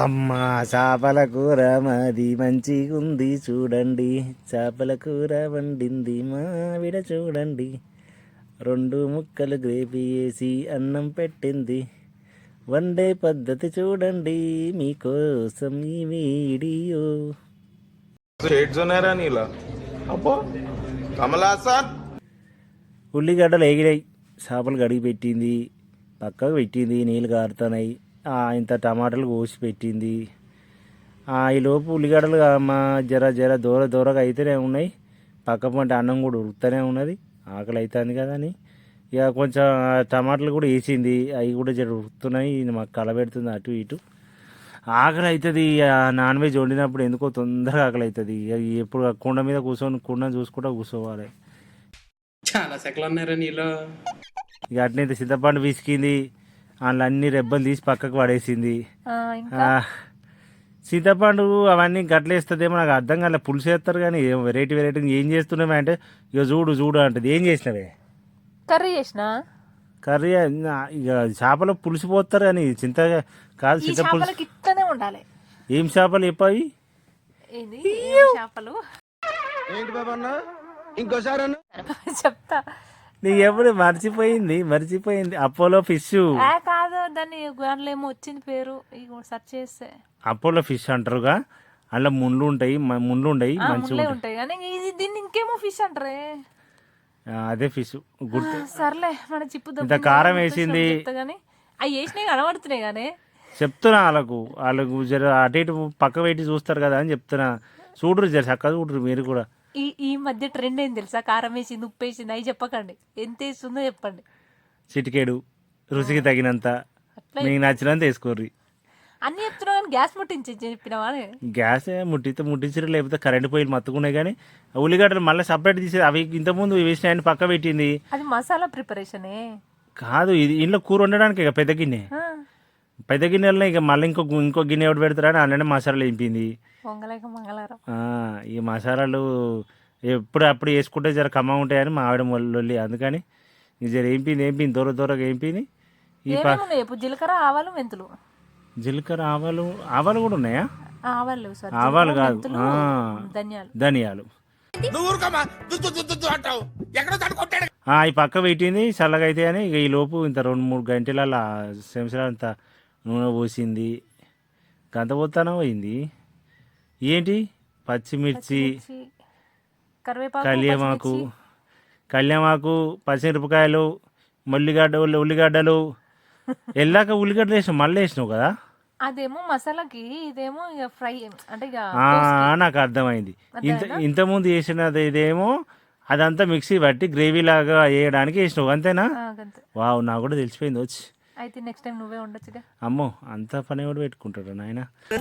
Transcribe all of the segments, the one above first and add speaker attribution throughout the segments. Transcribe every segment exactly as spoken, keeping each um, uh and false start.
Speaker 1: అమ్మ చేపల కూర మాది మంచిగుంది చూడండి, చేపల కూర వండింది మావిడ చూడండి, రెండు ముక్కలు గ్రేవీ వేసి అన్నం పెట్టింది, వండే పద్ధతి చూడండి మీకోసం ఈ వీడియో. ఉల్లిగడ్డలు ఎగిరాయి, చేపలు కడిగి పెట్టింది, పక్కకు పెట్టింది, నీళ్ళు కారుతున్నాయి, ఇంత టమాటాలు కోసి పెట్టింది. ఈలోపు ఉల్లిగడ్డలు మా జర జర దూర దూరగా అయితేనే ఉన్నాయి, పక్క పంట అన్నం కూడా ఉరుకుతూనే ఉన్నది, ఆకలి అవుతుంది కదా అని ఇక కొంచెం టమాటాలు కూడా వేసింది, అవి కూడా జర ఉరుకుతున్నాయి, మాకు కలబెడుతుంది అటు ఇటు. ఆకలి అవుతుంది, నాన్ వెజ్ వండినప్పుడు ఎందుకో తొందరగా ఆకలి అవుతుంది. ఎప్పుడు కుండ మీద కూర్చొని కుండ చూసుకుంటూ కూర్చోవాలి.
Speaker 2: చాలా సెకలు ఉన్నారా నీలో.
Speaker 1: ఇక అట్నైతే చింతపండు పిసికింది, అందులో అన్ని రెబ్బలు తీసి పక్కకు పడేసింది. చింతపండు అవన్నీ గట్లేస్తుందేమో నాకు అర్థం కాలే, పులుసు వేస్తారు కానీ వెరైటీ వెరైటీ ఏం చేస్తున్నావే అంటే ఇక చూడు చూడు అంటది. ఏం చేసినవే?
Speaker 3: కర్రీ చేసిన.
Speaker 1: కర్రీ ఇక చేపలు పులుసు పోస్తారు కానీ చింత కాదు, చింత పులుసు
Speaker 3: ఇట్లనే ఉండాలి.
Speaker 1: ఏం చేపలు చెప్పావి?
Speaker 3: చేపలు చెప్తా,
Speaker 1: నీ ఎప్పుడు మర్చిపోయింది మర్చిపోయింది అపోలో ఫిష్
Speaker 3: కాదు, దాన్ని దాంట్లో ఏమో వచ్చింది పేరు, సెర్చ్ చేస్తే
Speaker 1: అపోలో ఫిష్ అంటారుగా. అందులో ముళ్ళు ఉంటాయి, ముళ్ళు ఉంటాయి, మంచిగా
Speaker 3: ఉంటాయి కానీ దీన్ని ఇంకేమో ఫిష్ అంటారే.
Speaker 1: అదే ఫిష్ గుర్తు.
Speaker 3: సర్లే మన చిప్పు
Speaker 1: ఇంత కారం వేసింది,
Speaker 3: అవి వేసినాయి కనబడుతున్నాయి కానీ
Speaker 1: చెప్తున్నా వాళ్ళకు వాళ్ళకు జర అటు ఇటు పక్క పెట్టి చూస్తారు కదా అని చెప్తున్నా. చూడరు జర చక్కగా చూడరు మీరు కూడా.
Speaker 3: ఈ ఈ మధ్య ట్రెండ్ ఏంది తెలుసా? కారం వేసింది, ఉప్పు వేసింది, అవి చెప్పకండి, ఎంత వేస్తుందో చెప్పండి.
Speaker 1: చిటికేడు రుచికి తగినంత, మీకు నచ్చినంత వేసుకోర్రి.
Speaker 3: అన్ని చెప్తున్నా కానీ గ్యాస్ ముట్టించి చెప్పినవా?
Speaker 1: గ్యాస్ ముట్టితే ముట్టించరు, లేకపోతే కరెంట్ పొయ్యిలు మత్తుకున్నాయి. కానీ ఉల్లిగడ్డలు మళ్ళీ సపరేట్ తీసి అవి ఇంతకుముందు వేసిన పక్క పెట్టింది.
Speaker 3: అది మసాలా ప్రిపరేషనే
Speaker 1: కాదు, ఇది ఇంట్లో కూర వండడానికి ఇక పెద్ద గిన్నె, పెద్ద గిన్నెలనే ఇక మళ్ళీ ఇంకో ఇంకో గిన్నె ఎవరు పెడతారని అందులోనే మసాలాలు వేయింది. ఈ మసాలాలు ఎప్పుడు అప్పుడు వేసుకుంటే జర కమ్మ ఉంటాయని మా ఆవిడ మొల్లి, అందుకని జర ఏంపింది ఏంపింది దూర దూరగా ఏంపింది. ఈ
Speaker 3: జీలకర్ర ఆవాలు మెంతులు,
Speaker 1: జీలకర్ర ఆవాలు ఆవాలు కూడా ఉన్నాయా?
Speaker 3: ఆవాలు
Speaker 1: ఆవాలు కాదు,
Speaker 3: ధనియాలు
Speaker 1: ధనియాలు ఈ పక్క పెట్టింది చల్లగా అయితే అని. ఇక ఈ లోపు ఇంత రెండు మూడు గంటల చెంచాల అంత నూనె పోసింది. గంత పోతానో పోయింది ఏంటి? పచ్చిమిర్చి, కళ్యామాకు కళ్యామాకు పచ్చిమిరపకాయలు, ఉల్లిగడ్డ ఉల్లిగడ్డలు వెళ్ళాక ఉల్లిగడ్డలు వేసినావు, మళ్ళీ వేసినావు కదా.
Speaker 3: అదేమో మసాలాకి, ఇదేమో ఇక ఫ్రై అంటే
Speaker 1: నాకు అర్థమైంది. ఇంత ఇంతకుముందు వేసినది ఇదేమో అదంతా మిక్సీ పట్టి గ్రేవీ లాగా వేయడానికి వేసినావు, అంతేనా? వావ్, నాకు కూడా తెలిసిపోయింది వచ్చి.
Speaker 3: అయితే నెక్స్ట్ టైం నువ్వే ఉండొచ్చుగా.
Speaker 1: అమ్మో, అంత పని కూడా పెట్టుకుంటాడు నాయన.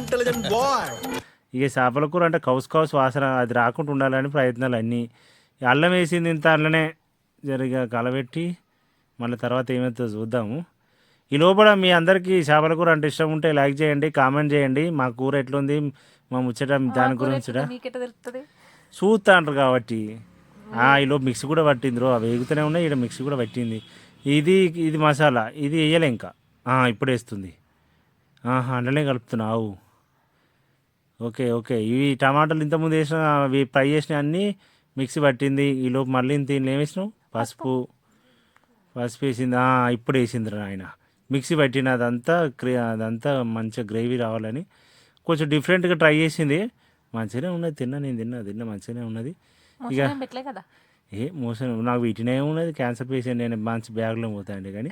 Speaker 1: ఇక చేపల కూర అంటే కౌస్ కౌస్ వాసన అది రాకుండా ఉండాలని ప్రయత్నాలు అన్నీ. అల్లం వేసింది ఇంత అల్లనే జరిగా కలబెట్టి మళ్ళీ తర్వాత ఏమవుతుందో చూద్దాము. ఈ లోపల మీ అందరికీ చేపల కూర అంటే ఇష్టం ఉంటే లైక్ చేయండి, కామెంట్ చేయండి. మా కూర ఎట్లుంది, మా ముచ్చట దాని గురించి చూస్తా అంటారు కాబట్టి. ఈ లోపు మిక్సీ కూడా పట్టింది రో, అవి వేగుతూనే ఉన్నాయి, ఇక్కడ మిక్సీ కూడా పట్టింది. ఇది ఇది మసాలా, ఇది వేయలే ఇంకా, ఇప్పుడు వేస్తుంది. అందులోనే కలుపుతున్నావు. ఓకే ఓకే ఇవి టమాటాలు ఇంతకుముందు వేసిన అవి ఫ్రై చేసినవి అన్నీ మిక్సీ పట్టింది. ఈ లోపు మళ్ళీ దీనిలో ఏం వేసినావు? పసుపు పసుపు వేసింది, ఇప్పుడు వేసింది ఆయన. మిక్సీ పట్టిన అదంతా అదంతా మంచిగా గ్రేవీ రావాలని కొంచెం డిఫరెంట్గా ట్రై చేసింది. మంచిగానే ఉన్నది, తిన్నా నేను తిన్నా తిన్నా మంచిగానే ఉన్నది. ఇక ఏ మోసం నాకు వీటినే ఉన్నది, క్యాన్సర్ పేషెంట్ నేను మంచి బ్యాగ్లో పోతాయండి. కానీ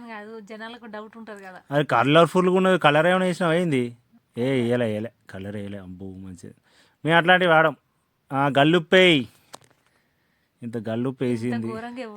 Speaker 1: అది కలర్ఫుల్గా ఉన్నది. కలర్ ఏమైనా వేసినావు అయింది? ఏ వేయలే వేయలే కలర్ వేయలే. అబ్బో మంచిది, మేము అట్లాంటివి వాడం. గల్లుప్పేయి, ఇంత గల్లుప్పు వేసింది.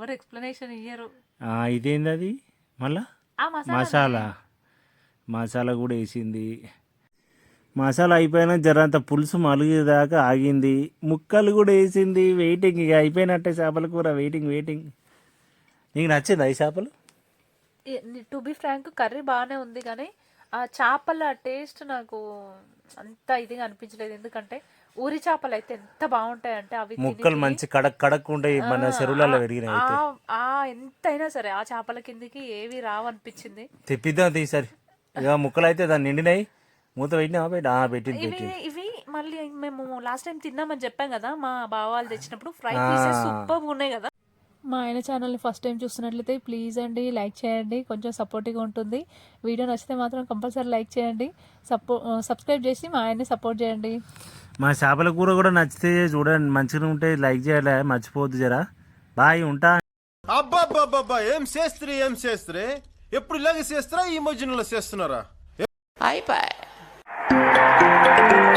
Speaker 1: ఇదేంది అది? మళ్ళా మసాలా మసాలా కూడా వేసింది. మసాలా అయిపోయినా జరంత పులుసు మలిగేదాకా ఆగింది. ముక్కలు కూడా వేసింది. వెయిటింగ్, ఇక అయిపోయినట్టే చేపల కూర. వెయిటింగ్ వెయిటింగ్ నీకు నచ్చింది ఈ చేపలు?
Speaker 3: టు బి ఫ్రాంక్ కర్రీ బాగానే ఉంది కానీ ఆ చేపల టేస్ట్ నాకు అంత ఇదిగా అనిపించలేదు. ఎందుకంటే ఊరి చేపలు అయితే ఎంత బాగుంటాయి అంటే అవి
Speaker 1: ముక్కలు మంచి కడక్ కడక్ ఉంటాయి, మన చెరువులలో పెరిగినాయి.
Speaker 3: ఎంతైనా సరే ఆ చేపల కిందికి ఏవి రావనిపించింది.
Speaker 1: తెప్పిద్దాం ఈసారి. ఇక ముక్కలు అయితే దాన్ని నిండినాయి, మూత పెట్టినా పెట్టి పెట్టింది
Speaker 3: ఇవి
Speaker 1: పెట్టింది
Speaker 3: ఇవి మళ్ళీ మేము లాస్ట్ టైం తిన్నామని చెప్పాం కదా మా బావ వాళ్ళు తెచ్చినప్పుడు ఫ్రై పీసెస్ సూపర్ ఉన్నాయి కదా. మా ఆయన ఛానల్ని ఫస్ట్ టైం చూస్తున్నట్లయితే ప్లీజ్ అండి లైక్ చేయండి, కొంచెం సపోర్టివ్గా ఉంటుంది. వీడియో నచ్చితే మాత్రం కంపల్సరీ లైక్ చేయండి, సపో సబ్స్క్రైబ్ చేసి మా ఆయన్ని సపోర్ట్ చేయండి.
Speaker 1: మా చేపల కూర కూడా నచ్చితే చూడండి, మంచిగా ఉంటే లైక్ చేయాలి, మర్చిపోవద్దు జరా. బాయ్, ఉంటా.
Speaker 4: అబ్బాబ్బాబ్బా ఏం చేస్త్రీ ఏం చేస్త్రీ ఎప్పుడు ఇలాగే చేస్తారా ఈ మధ్యలో చేస్తున్నారా?
Speaker 2: అయిపోయి